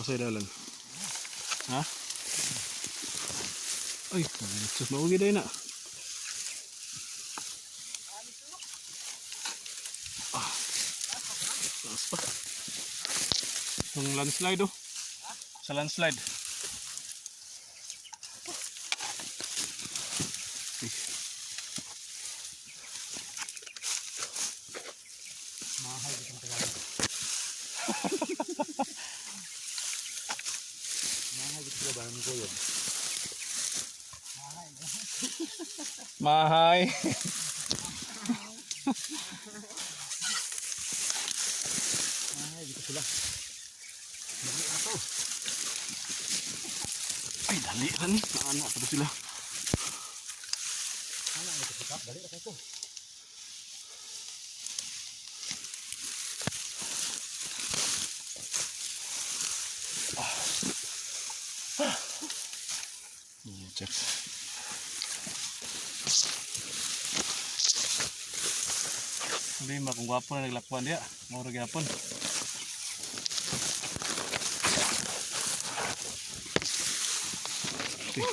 sa dalan. Ha? Ay, sus maugi day na. Ah. Taas pa. Yung landslide oh. Sa landslide. Okay. Mahay itong Tagalog. Mahay itong Tagalog ko yun. Mahay. Mahay dito sila. Dali na to. Ay, dali na ni. Naanak pa sila. Ano ang nagkakap? Dali na kayo. Check. Hindi kung gwapo na naglakwan dia. Mura gyapon. Okay.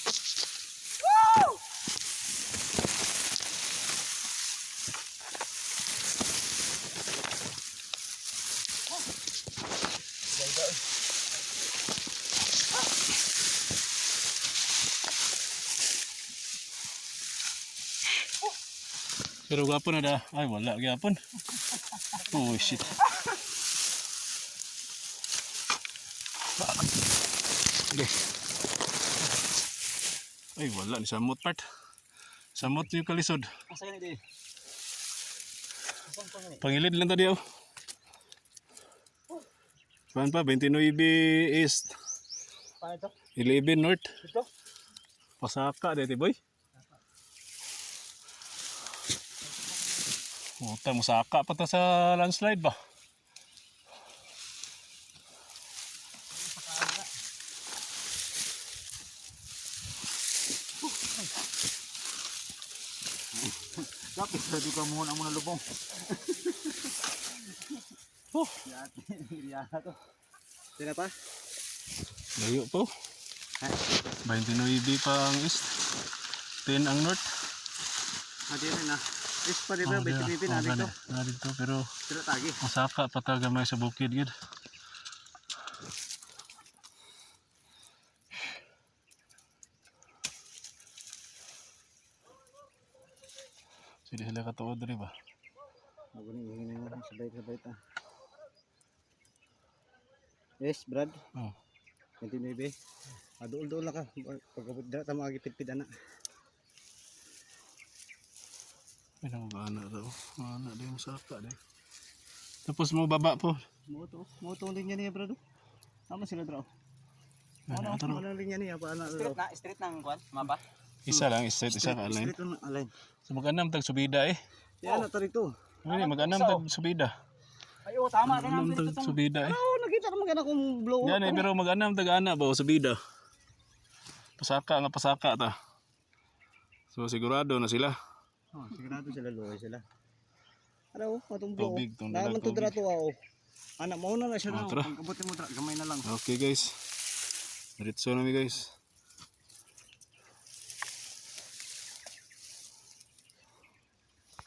Pero gwapo na da. Ay wala gyapon. Oh shit. Okay. Ay wala ni samot part. Samot yung kalisod. Asa yan di? Asan pa yan? Pangilid lang tadi oh. Saan pa? 29 East. Paano ito? 11 North. Ito? Pasaka dito boy. Puta, musaka pa ta sa landslide ba? Kapit sa di ka muna muna lubong. Yata to. Sila pa? Layo po. Ha? 29 pa ang east. 10 ang north. Adi na. Is pa di ba? 20 na dito. Na dito pero Sila tagi. masaka pa ta gamay sa bukid gid. Sige sila katuod diri ba? Maguning hingin na sabay-sabay ta. Yes, Brad. Oh. 29. Adul-dul na ka. Pagkabot dira ta magipid-pid ana. Ay nang daw. Ana day musaka day. Tapos mo baba po. Moto linya niya, Brad. Tama sila draw. Ano to? Ano linya niya pa ana draw. Street nang kwan, mapa. Isa lang, isa ka line. Street lang align. So mag-anam tag subida eh. Yan na tarito. Ano mag-anam tag subida. Ay, oh, tama ka Mag-anam nang tag subida eh. Oh, nakita naman kana kung blow up. Yan eh, pero mag-anam tag ana ba o subida. Pasaka nga pasaka ta. So sigurado na sila. Oh, sigurado sila luoy sila. Ano, atong blow. Tubig, tong Naman dalag to dira tubig. to oh. Anak mo na siya na. Tara. Pagkabutin mo dira, gamay na lang. Okay guys. Diretso na mi guys.